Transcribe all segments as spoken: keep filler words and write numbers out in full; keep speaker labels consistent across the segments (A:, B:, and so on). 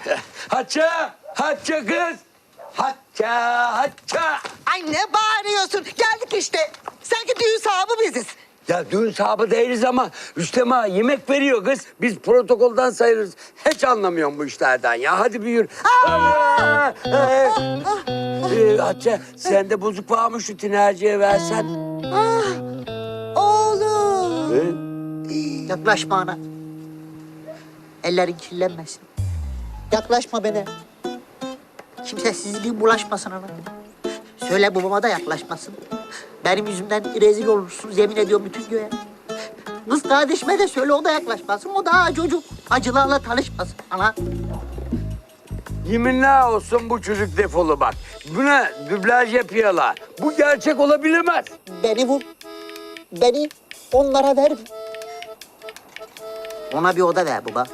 A: Hatice, Hatice kız. Hatice, Hatice.
B: Ay ne bağırıyorsun? Geldik işte. Sanki düğün sahibi biziz.
A: Ya düğün sahibi değiliz ama Rüstem ağa yemek veriyor kız. Biz protokoldan sayılırız. Hiç anlamıyorum bu işlerden ya. Hadi buyur. Aa! Ee, ee, Hatice sen de bozuk var mı şu tinerciye versen?
B: Ah, oğlum.
A: Ee?
B: Yaklaşma ana. Ellerin kirlenmesin. Yaklaşma bana. Kimsesizliğin bulaşmasın ana. Söyle babama da yaklaşmasın. Benim yüzümden rezil olursunuz yemin ediyorum bütün göğe. Kız kardeşime de söyle o da yaklaşmasın. O daha çocuk. Acılarla tanışmasın ana.
A: Yeminler olsun bu çocuk defolu bak. Buna dublaj yapıyorlar. Bu gerçek olabilemez.
B: Beni vur. Beni onlara ver. Ona bir oda ver baba.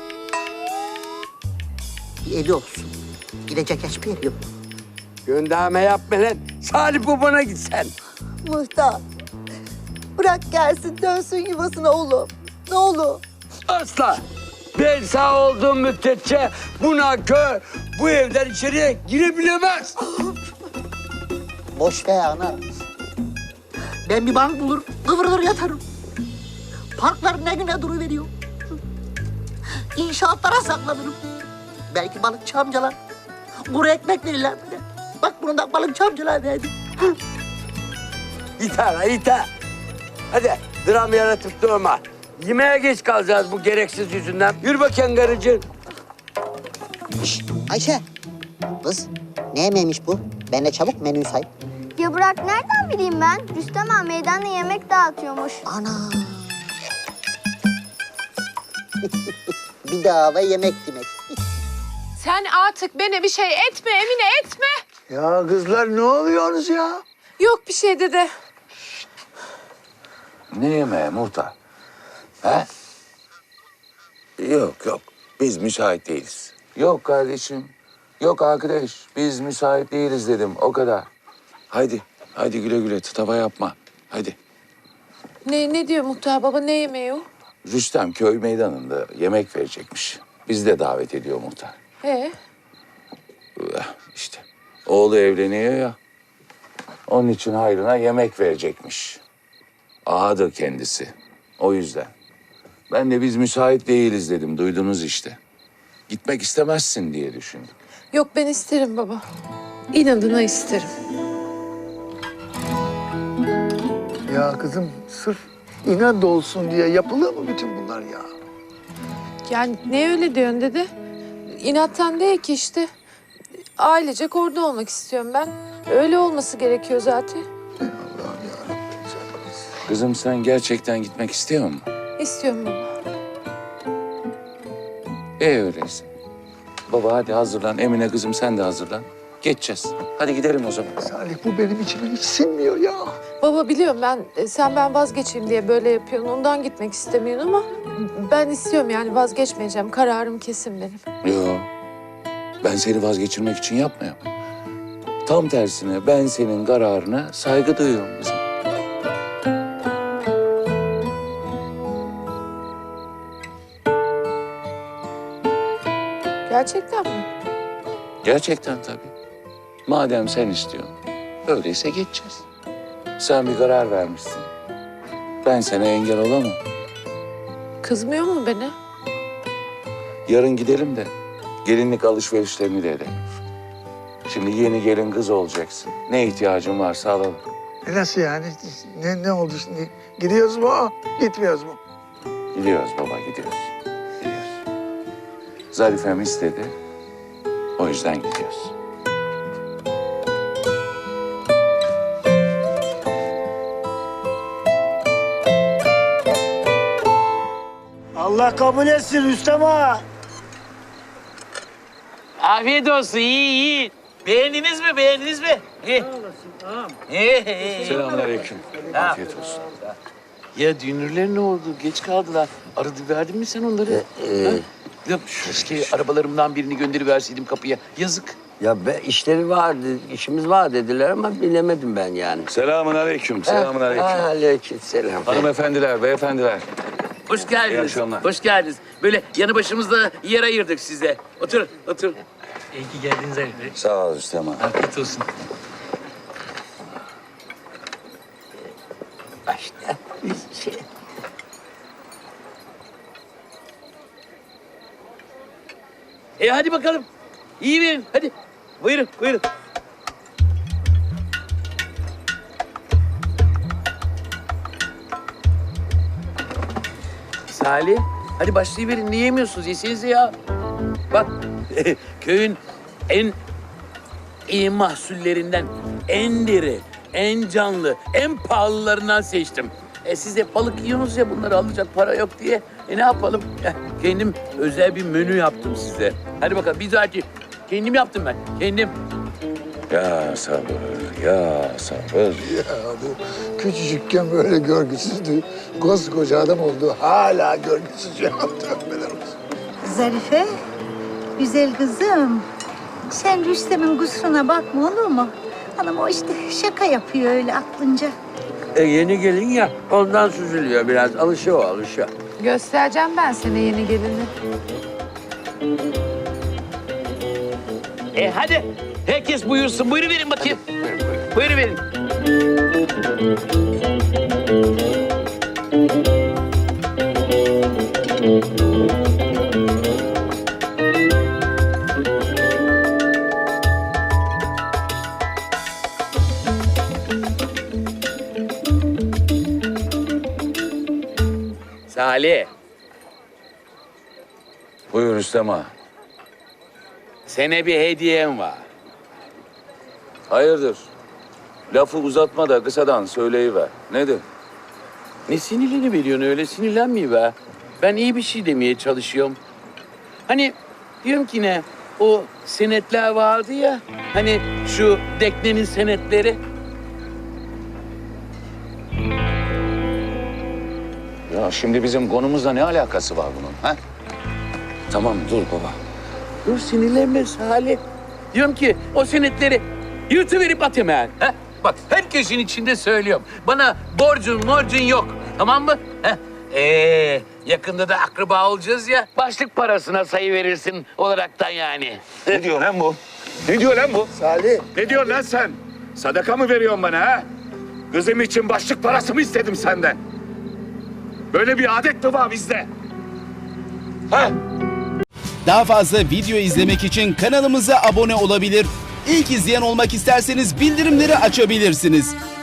B: Bir evi olsun. Gidecek hiçbir evi yok.
A: Gönderme yapma lan. Salih babana git sen.
C: Muhtar. Bırak gelsin dönsün yuvasına oğlum. Ne olur.
A: Asla. Ben sağ olduğum müddetçe bu nankör bu evden içeriye girebilemez.
B: Boş ver ana. Ben bir bank bulur, kıvrılır yatarım. Parklar ne güne duruveriyor. İnşaatlara saklanırım. Belki balıkçı amcalar kuru ekmek verirler bile. Bak bunu da balıkçı amcalar verdi.
A: İter ha iter. Hadi dram yaratıp durma. Yemeğe geç kalacağız bu gereksiz yüzünden. Yürü bakayım karıcığım.
B: Şişt, Ayşe. Kız ne yemeğiymiş bu? Ben de çabuk menüyü say.
D: Ya bırak nereden bileyim ben? Rüstem ağa meydanda yemek dağıtıyormuş.
B: Ana. Bir daha ve yemek demek.
E: Sen artık bana bir şey etme Emine etme.
F: Ya kızlar ne oluyorsunuz ya?
E: Yok bir şey dede.
G: Ne yemeği muhtar? He? Yok yok. Biz müsait değiliz. Yok kardeşim. Yok arkadaş. Biz müsait değiliz dedim. O kadar. Haydi. Haydi güle güle. Tıtava yapma. Haydi.
E: Ne, ne diyor muhtar baba ne yemeği o?
G: Rüstem köy meydanında yemek verecekmiş. Bizi de davet ediyor muhtar.
E: Ee?
G: İşte oğlu evleniyor ya. Onun için hayrına yemek verecekmiş. Ağadır kendisi. O yüzden. Ben de biz müsait değiliz dedim. Duydunuz işte. Gitmek istemezsin diye düşündüm.
E: Yok ben isterim baba. İnadına isterim.
F: Ya kızım sırf inat olsun diye yapılır mı bütün bunlar ya?
E: Yani ne öyle diyorsun dede? İnattan değil ki işte. Ailecek orada olmak istiyorum ben. Öyle olması gerekiyor zaten.
G: Kızım sen gerçekten gitmek istiyor musun?
E: İstiyorum baba.
G: E öyleyse. Baba hadi hazırlan. Emine kızım sen de hazırlan. Geçeceğiz. Hadi gidelim o zaman.
F: Salih bu benim içime hiç sinmiyor ya.
E: Baba biliyorum ben e, sen ben vazgeçeyim diye böyle yapıyorsun. Ondan gitmek istemiyorsun ama ben istiyorum yani vazgeçmeyeceğim. Kararım kesin benim.
G: Yok. Ben seni vazgeçirmek için yapmıyorum. Tam tersine ben senin kararına saygı duyuyorum kızım.
E: Gerçekten mi?
G: Gerçekten tabii. Madem sen istiyorsun, öyleyse geçeceğiz. Sen bir karar vermişsin. Ben sana engel olamam.
E: Kızmıyor mu beni?
F: Yarın gidelim de gelinlik alışverişlerini de edelim. Şimdi yeni gelin kız olacaksın. Ne ihtiyacın varsa alalım.
H: E nasıl yani? Ne, ne oldu şimdi? Gidiyoruz mu, gitmiyoruz mu?
F: Gidiyoruz baba, gidiyoruz. Gidiyoruz. Zarifem istedi. O yüzden gidiyoruz.
H: Allah kabul etsin Rüstem ağa.
I: Afiyet olsun, iyi iyi. Beğendiniz mi, beğendiniz mi? İyi. İyi, iyi.
F: Selamünaleyküm. Afiyet olsun.
I: Ya dünürler ne oldu? Geç kaldılar. Aradı verdin mi sen onları?
A: Ee,
I: Ha? Ya keşke arabalarımdan birini gönderiverseydim kapıya. Yazık.
A: Ya be, işleri vardı, işimiz var dediler ama bilemedim ben yani.
F: Selamünaleyküm. Selamünaleyküm.
A: Aleyküm selam.
F: Hanımefendiler, beyefendiler.
I: Hoş
F: İyi
I: geldiniz.
F: akşamlar.
I: Hoş geldiniz. Böyle yanı başımızda yer ayırdık size. Otur, otur.
J: İyi ki geldiniz Ali Bey.
F: Sağ ol Rüstem ağa.
J: Afiyet olsun.
B: Başta şey...
I: E hadi bakalım. İyi verin, hadi. Buyurun, buyurun. Salih, hadi başlayıverin. Niye yemiyorsunuz? Yesenize ya. Bak, köyün en iyi mahsullerinden, en diri, en canlı, en pahalılarından seçtim. E siz de balık yiyorsunuz ya, bunları alacak para yok diye. E ne yapalım? Eh, kendim özel bir menü yaptım size. Hadi bakalım, bir dahaki. Kendim yaptım ben, kendim.
F: Ya sabır, ya sabır.
H: Ya bu küçücükken böyle görgüsüzdü. Koskoca adam oldu. Hala görgüsüz ya. Tövbeler olsun.
C: Zarife, güzel kızım. Sen Rüstem'in kusuruna bakma olur mu? Hanım o işte şaka yapıyor öyle aklınca.
A: E yeni gelin ya ondan süzülüyor biraz. Alışıyor o alışıyor.
E: Göstereceğim ben sana yeni gelini.
I: E hadi, herkes buyursun. Buyurun verin bakayım. Buyurun verin. Salih,
F: Buyur Rüstem ağa.
I: sana bir hediyem var.
F: Hayırdır? Lafı uzatma da kısadan söyleyiver. Nedir?
I: Ne sinirleni veriyorsun öyle? Sinirlenmeyi be. Ben iyi bir şey demeye çalışıyorum. Hani diyorum ki ne? O senetler vardı ya. Hani şu Dekne'nin senetleri.
F: Ya şimdi bizim konumuzla ne alakası var bunun? Ha? Tamam dur baba.
I: Dur sinirlenme Salih. Diyorum ki o senetleri yırtıverip at hemen. Ha? Bak herkesin içinde söylüyorum. Bana borcun morcun yok. Tamam mı? Ha? Ee, yakında da akraba olacağız ya. Başlık parasına sayı verirsin olaraktan yani.
F: Ne diyor lan bu? Ne diyor lan bu?
H: Salih.
F: Ne diyorsun lan sen? Sadaka mı veriyorsun bana ha? Kızım için başlık parası mı istedim senden? Böyle bir adet mi var bizde? Ha?
K: Daha fazla video izlemek için kanalımıza abone olabilir. İlk izleyen olmak isterseniz bildirimleri açabilirsiniz.